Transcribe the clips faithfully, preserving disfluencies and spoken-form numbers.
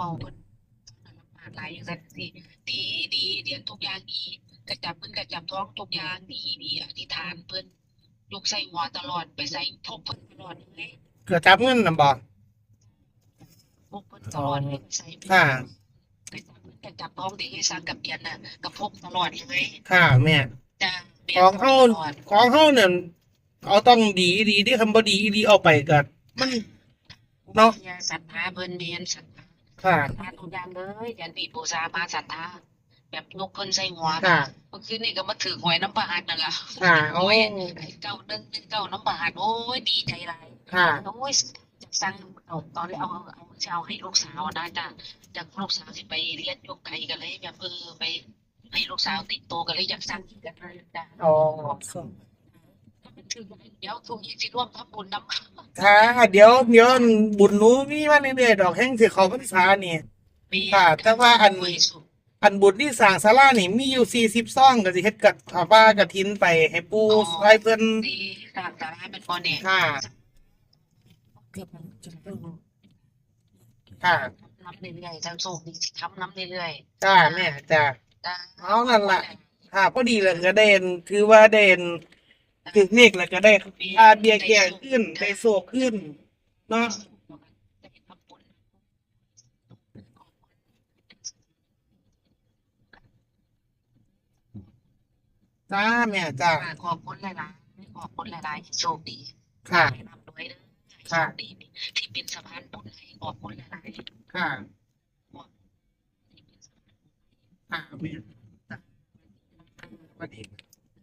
เบาเพิ่นลำบากหลายอย่างซั่นสิดีดีเรียนทุกอย่างดีกระจับเพิ่นกระจับท้องทุกอย่างดีดีอธิษฐานเพิ่นยกใส่หัวตลอดไปใส่พกเพิ่นตลอดเลยเกิดจับเงินน่ะบ่พกเพิ่นตลอดเลยใส่ไปค่ะไปจับเพิ่นกระจับท้องที่ให้ซักกับเปียนน่ะก็พกตลอดเลยค่ะแม่จ้ะเปีขยนองเฮาตลอดของเฮาเนี่ยเอาต้องดีดีที่คำบ่ดีอีหลีเอาไปก็มันเนาะอย่าศรัทธาเพิ่นแม่นศรัทธาค่ะศรัทธาทุกอย่างเลยยันติปูชามาศรัทธาแบบยกเพิ่นใส่หัวค่ะเมื่อคืนนี่ก็มาถือหวยน้ำประหัตนั่นล่ะค่ะโอ้โอ้ยเก้าหนึ่งหนึ่งเก้าน้ำประหัตโอ้ยดีใจหลายค่ะโอ้ยจะสั่งเอาตอนนี้เอาเอาเอาจะเอาให้ลูกสาวนะจ้ะจากลูกสาวสิไปเรียนยกไก่กันเลยแบบเออไปให้ลูกสาวติดโตกันเลยอยากสั่งกินกันเลยจ้ะอ๋อถึงเดี๋ยวทุกยี่สิร่วมทำบุญน้ำค่ะเดี๋ยวเดี๋ยวบุญหนูมีมาเรื่อยๆดอกแห้งสิเข้าพรรษานี่ค่ะแต่ว่าอันอันบุญที่สร้างศาลานี่มีอยู่สี่สิบซองก็สิเฮ็ดกับผ้าป่ากฐินไปให้ปู่ให้เพิ่นดีสร้างศาลาเป็นพอเนี่ยค่ะค่ะน้ำเรื่อยๆจะโชคดีทำน้ำเรื่อยจ้าแม่จ้าๆจ้าเอานั่นล่ะค่ะพอดีเลยก็เด่นถือว่าเด่นถึงเลขแล้วก็ได้อาเบียแก่ขึ้นได้โศกขึ้นเนาะจ้าแม่จ้าขอบคุณหลายๆขอบคุณหลายๆโชคดีค่ะนำด้วยนะโชคดีที่เป็นสะพานบุญให้ขอบคุณหลายๆค่ะค่ะแม่สวัสดี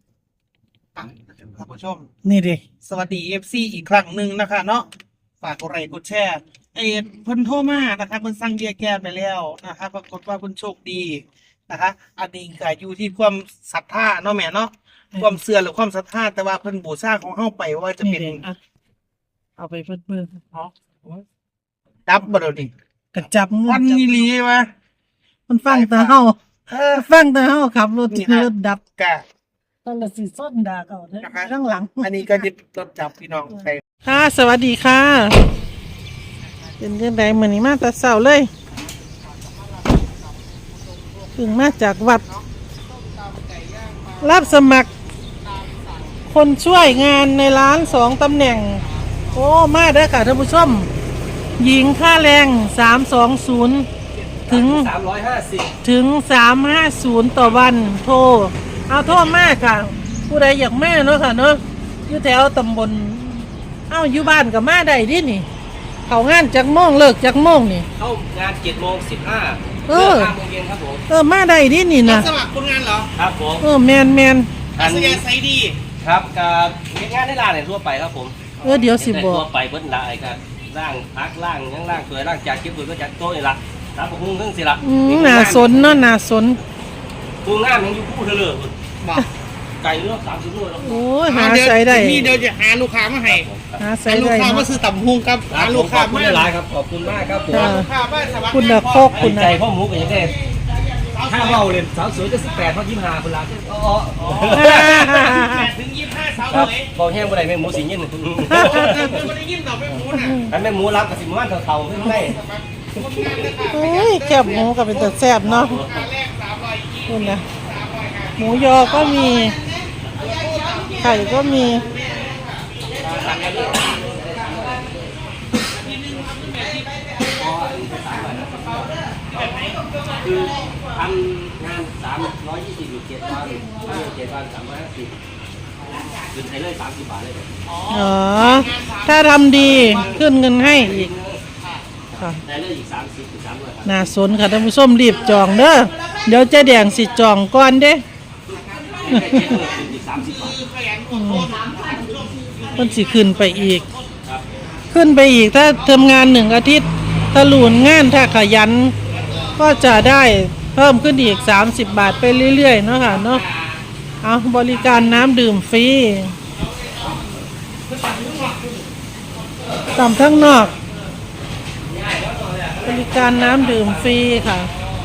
ท่านผู้ชมนี่ดิสวัสดีเอฟซีอีกครั้งหนึ่งนะคะเนาะฝากกดไลค์กดแชร์เอเพิ่นโทรมานะคะเพิ่นสั่งเบียร์แก้ไปแล้วนะคะปรากฏว่าเพิ่นโชคดีนะคะอันนี้ก็อยู่ที่ความศรัทธาเนาะแม่เนาะความเชื่อหรือความศรัทธาแต่ว่าเพิ่นบูชาของเฮาไปว่าจะเป็นเอาไปเพิ่นเพิ่นอ๋อจับบ่เดี๋ยวนี้กระจับมือวันนี้ลีวะมันฟังแต่เฮาเออฟังแต่เฮาขับรถรถดับกะตอนละสิส้นด่าเขาเด้อข้างหลังอันนี้ก็ดิบรถจับพี่น้องใครค่ะสวัสดีค่ะเป็นจังได๋มื้อนี้มาแต่เช้าเลยถึงมาจากวัดรับสมัครคนช่วยงานในร้านสองตำแหน่งโอ้มาเด้อค่ะท่านผู้ชมหญิงค่าแรงสามสองศูนย์ถึงสามร้อยห้าสิบถึงสามห้าศูนย์ต่อวันโทรเอาโทษมากค่ะผู้ใดอยากแม่เนาะค่ะเนาะอยู่แถวตำบลเอ้าอยู่บ้านกับมาได้ดินี่เขางานจักโมงเลิกจักโมงนี่เข้างานเจ็ดโมงสิบห้าเออห้าโมงเย็นครับผมเออมาได้ดินี่นะสมัครคนงานเหรอครับผมเออแมนแมนอัศยาไซดีครับกับงานในร้านเนี่ยทั่วไปครับผมเออเดี๋ยวสิบอกทั่วไปเบิ้ลละไอ้กันร่างพักร่างยังร่างสวยร่างจากเก็บปุ๋ยก็จากโต๊ะนี่ละครับผมหุ้งเรื่องสิละอืมน่าสนเนาะน่าสนหุ้งงานยังอยู่คู่เธอเลยไก่เลือกสามสิบโลแล้วโอ้ยหาใส่ได้นี่เดี๋ยวจะหาลูกค้ามาให้หาใส่ได้ลูกค้ามาซื้อตับหุ้งครับหาลูกค้าไม่ได้หลายครับขอบคุณมากครับผมลูกค้าบ้านสวัสดิ์คุณนะโคกคุณนะใจพ่อหมูกับยังไงถ้าเบาเลยสาวสวยจะสิบแปดเขายิ้มหาคนละอ๋อถึงยี่สิบห้าสาวเลยบอกแห้งบ่ได้แม่หมูสีเงี้ยไม่ได้ยิ้มต่อแม่หมูน่ะอันแม่หมูรับกับสิบมันเท่าๆไม่ได้โอ้ยแคบหมูกับเป็นตัวแซ่บเนาะคุณนะหมูยอก็มีไข่ก็มีคือทำงานสามร้อยยี่สิบอยู่เจ็ดวันเจ็ดวันสามร้อยห้าสิบขึ้นให้เลยสามสิบบาทเลยอ๋อถ้าทำดีขึ้นเงินให้อีกค่ะได้เลยอีกสามสิบถึงสามร้อยน่าสนค่ะท่านผู้ชมรีบจองเด้อเดี๋ยวจะแดงสิจองก่อนเด้มันสิขึ้นไปอีกขึ้นไปอีกถ้าทำงานหนึ่งอาทิตย์ถ้าหลุนงานถ้าขยันก็จะได้เพิ่มขึ้นอีกสามสิบบาทไปเรื่อยๆเนาะค่ะเนาะเอาบริการน้ำดื่มฟรีต่ำทั้งนอกบริการน้ำดื่มฟรีค่ะ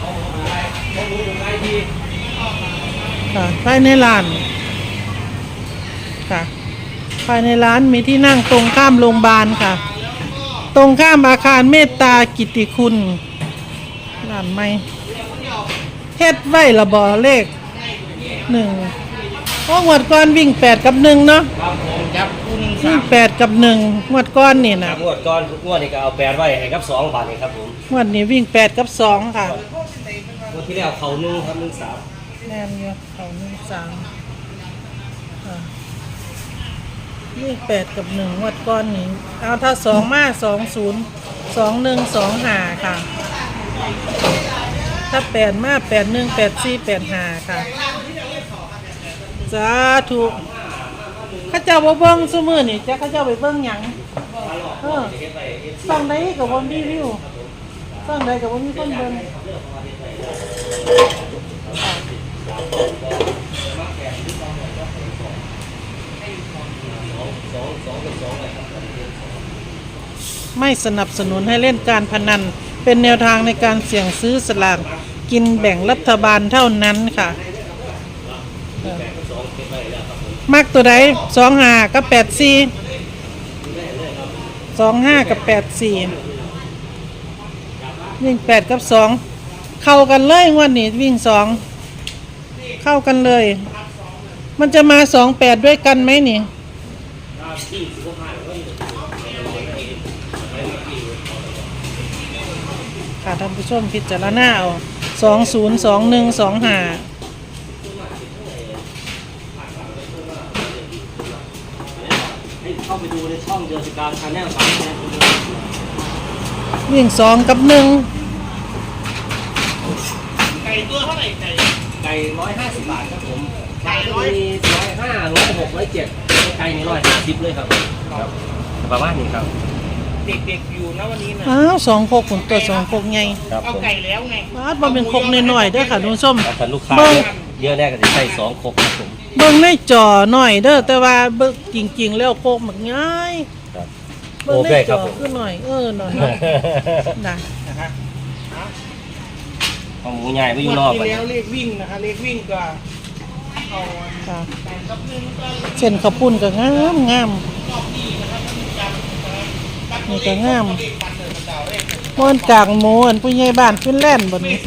ค่ะภายในร้านค่ะภายในร้านมีที่นั่งตรงข้ามโรงพยาบาลค่ะตรงข้ามอาคารเมตตากิตติคุณร้านใหม่เฮ็ดไว้ละบ่เลขหนึ่งเพราะงวดก่อนวิ่งแปดกับหนึ่งเนาะครับผมจับคู่หนึ่งวิ่สาง มแปดกับหนึ่งงวดก่อนนี่คนะรับงวดก่อนงวดนี้ก็เอาแปดไว้ให้กับสองบาทนี่ครับผมงวดนี้วิ่งแปดกับสองค่ะงวดที่แล้วเขาหนึ่งครับหนึ่งสามแน่นอยู่เขาหนึ่งสามอ่าวิ่งแปดกับหนึ่งงวดก่อนนี่เอาถ้าสองมาสองศูนย์สองหนึ่งสองห้าค่ะ ถ้าแปดมาแปดหนึ่งแปดสี่แปดห้าค่ะสาธุข้าเจ้าบ่เบิ่งซุมื้อนี่จ้ะข้าเจ้าไปเบิ่งหยังเออฟังใดก็บ่มีวิวฟังใดก็บ่มีคนเบิ่งไม่สนับสนุนให้เล่นการพนันเป็นแนวทางในการเสี่ยงซื้อสลากกินแบ่งรัฐบาลเท่านั้นค่ะมักตัวใดสองห้ากับแปดสี่สองห้ากับแปดสี่วิ่งแปดกับสองเข้ากันเลยงวันนี้วิ่งสองเข้ากันเลย มันจะมาสองแปดด้วยกันไหมนี่ค่ะท่านผู้ชมพิจารณาเอาสองศูนย์สองหนึ่งสองห้าเข้าไปดูในช่องเดือดการชาแนลสามแสนวิ่งสองกับหนึ่งไก่ตัวเท่าไหร่ไก่ไก่ร้อยห้าสิบบาทครับผมไก่ร้อยร้อยห้าร้อยหกร้อยเจ็ดไก่นี่ร้อยห้าสิบเลยครับครับประมาณนี้ครับเด็กๆอยู่นะวันนี้นะอ้าวสองโคกผมตัวสองโคกไงครับเอาผมไก่แล้วไงอ้าวมันเป็นโคกน้อยๆเด้อค่ะทุกชมถ้าลูกค้าเยอะแรกก็จะใส่สองครกครับผมเบิ่งในจอหน่อยเด้อแต่ว่าเบิ่งจริงๆแล้วโคกมันง่ายครับเบิ่งโอในเคจครัอบผมคือหน่อยเออหน่อยหน่อยนะนะฮะของหมูใหญ่ไม่อยู่นอกที่ไปแล้วเลขวิ่งนะคะเลขวิ่งก็เอาค่ะแปดกับหนึ่งก็เส้นข้าวปุ้นก็งามงามนี่ก็งามม้วนกากหมูอันผู้ใหญ่บ้านฟินแลนด์บนนี้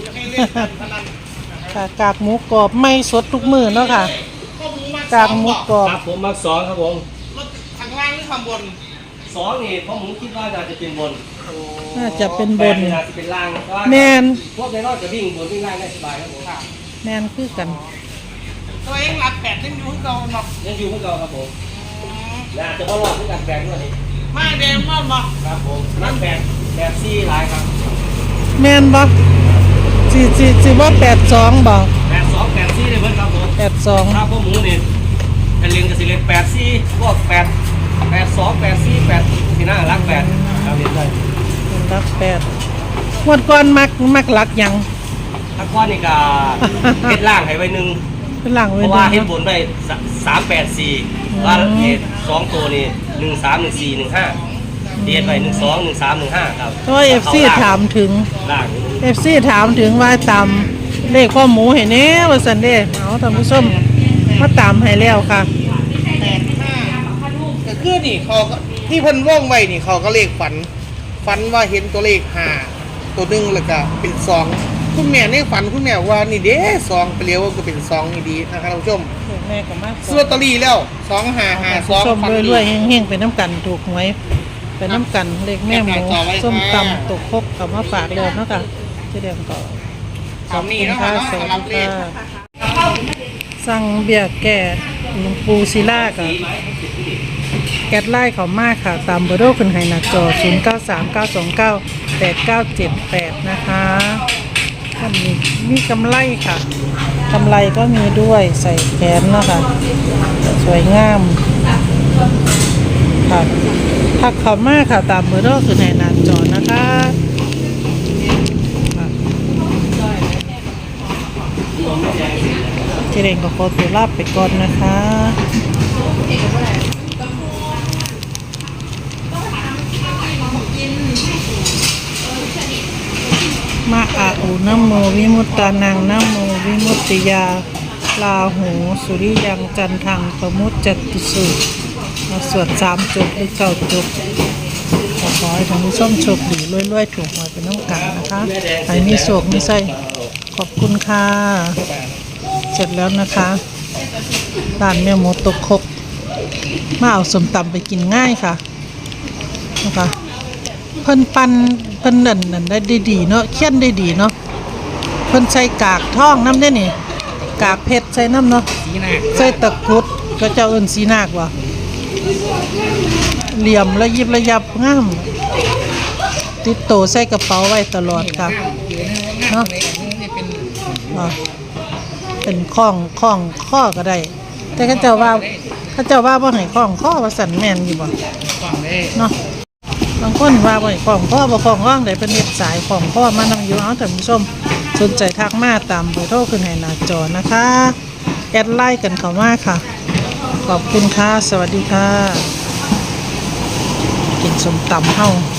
ค่ะกากหมูกรอบไม่สดทุกมื้อเนาะค่ะ กากหมูกรอบครับผมมักสองครับผมรถข้างล่างหรือข้างบนสองนี่เพราะผมคิดว่าน่าจะเป็นบนน่าจะเป็นบแปดนนี่น่าจะเป็นล่างเพราะว่าแมนพวกในรอดจะวิ่งบนวิ่งล่างได้สบายครับผมแมนคือกันตัวเองหลักแปดยังอยู่ที่เก่าหรอกยังอยู่พวกเราครับผมน่าจะว่ารอดด้วยกันแปดด้วยนี่มาแดงมากบอกครับผมนั่นแปดแปดซี่หลายครับแมนบ่สิสิสิว่าแปดสองบ่แปดสองแปดซี่เลยเพื่อนครับผมแปดสองถ้าพวกหมูนี่เป็นเรียนกับสิเรียนแปดซี่พวกแปดแปดสองแปดซี่แปดที่หน้ารักแปดครับเรียนได้รักแปดงวดก่อนมักมักหลักหยังถ้าก้อนนี่ก็เฮ็ดล่างให้ไว้หนึ่งเป็นหลังเพไว้ราะด้ว่าวยเฮ็ดเนาะบนไว้สามแปดสี่ว่าเฮ็ดสองตัวนี่หนึ่งสามหนึ่งสี่หนึ่งห้าเฮ็ดไว้หนึ่งสองหนึ่งสามหนึ่งห้าครับเพราะว่า เอฟ ซี ถามถึงล่างเอฟ ซี ถามถึงว่าตามเลขข้อหมูให้แน่ว่าซั่นเด้เอาท่านผู้ชมมาตามให้แล้วค่ะแปดห้าก็คือนี่เขาก็ที่เพิ่นว่องไว้นี่เขาก็เลขฝัน ฝันว่าเห็นตัวเลขห้าตัวหนึ่งแล้วก็เป็นสองคุณแม่ในฝันคุณแม่ว่านี่เด้สองไปเลี้ยวก็เป็นสองนี่ดีนะครับท่านผู้ชมแม่ก็มาซื้อลอตเตอรี่แล้วสองห้าห้าสองส้มฝันดีรวยๆเฮงๆไปน้ำกันถูกหวยไปน้ำกันเลขแม่หมูแม่ต่อไว้ค่ะส้มตำตกครกกับมาฝากเลยเนาะค่ะเจ๊เดียมก็สามนี่นะคะสวัสสำหรับเลดีขค่ะสั่งเบียร์แก่หลวงปู่ศิลากับแก๊สไล่เขามากค่ะ ตามเบอร์โทรขึ้นให้หน้าจอ ศูนย์ เก้า สาม เก้า สอง เก้า แปด เก้า เจ็ด แปด นะคะท่านมีมีกำไรค่ะกำไรก็มีด้วยใส่แขนเนาะคะสวยงามค่ะทักเขามากค่ะตามเบอร์โทรขึ้นให้หน้าจอนะคะค่ะเจเรงกับโคตรลาบไปก่อนนะคะ มะอาอุนะโมวิมุตตานังนะโมวิมุตติยาลาหูสุริยังจันทังปมุจจติสุมาสวดสามจบหรือเก้าจบค่ะขอให้ท่านผู้ชมโชคดีรวยๆถูกหวยเป็นน้องกันนะคะให้มีโชคมีไส้ขอบคุณค่ะเสร็จแล้วนะคะร้านแม่หมูตกครกมาเอาสมตำไปกินง่ายค่ะนะคะเพิ่นปั้นเพิ่นนั่นนั่นได้ดีเนาะเคี่ยนได้ดีเนาะเพิ่นใส่กากทองน้ำได้นี่กากเพชรใส่น้ำเนาะใส่ตะกรุดก็เจ้าเอิ้นสีนากว่ะเหลี่ยมระยิบระยับงามติดโตใส่กระเป๋าไว้ตลอดค่ะเนาะอ่ะเป็นข้องข้องข้อก็ได้แต่เขาเจ้าว่าเขาเจ้าว่าบ่ให้ข้องข้อว่าสั่นแม่นอยู่บ่เนาะบางคนว่าบ่ให้ข้องข้อบ่ข้องข้องได้เป็นเฮ็ดสายข้องข้อมานำอยู่เอาท่านผู้ชมสนใจทักมาตามเบอร์โทรขึ้นให้หน้าจอนะคะแอดไลน์กันเข้ามาค่ะขอบคุณค่ะสวัสดีค่ะกินส้มตำเฮา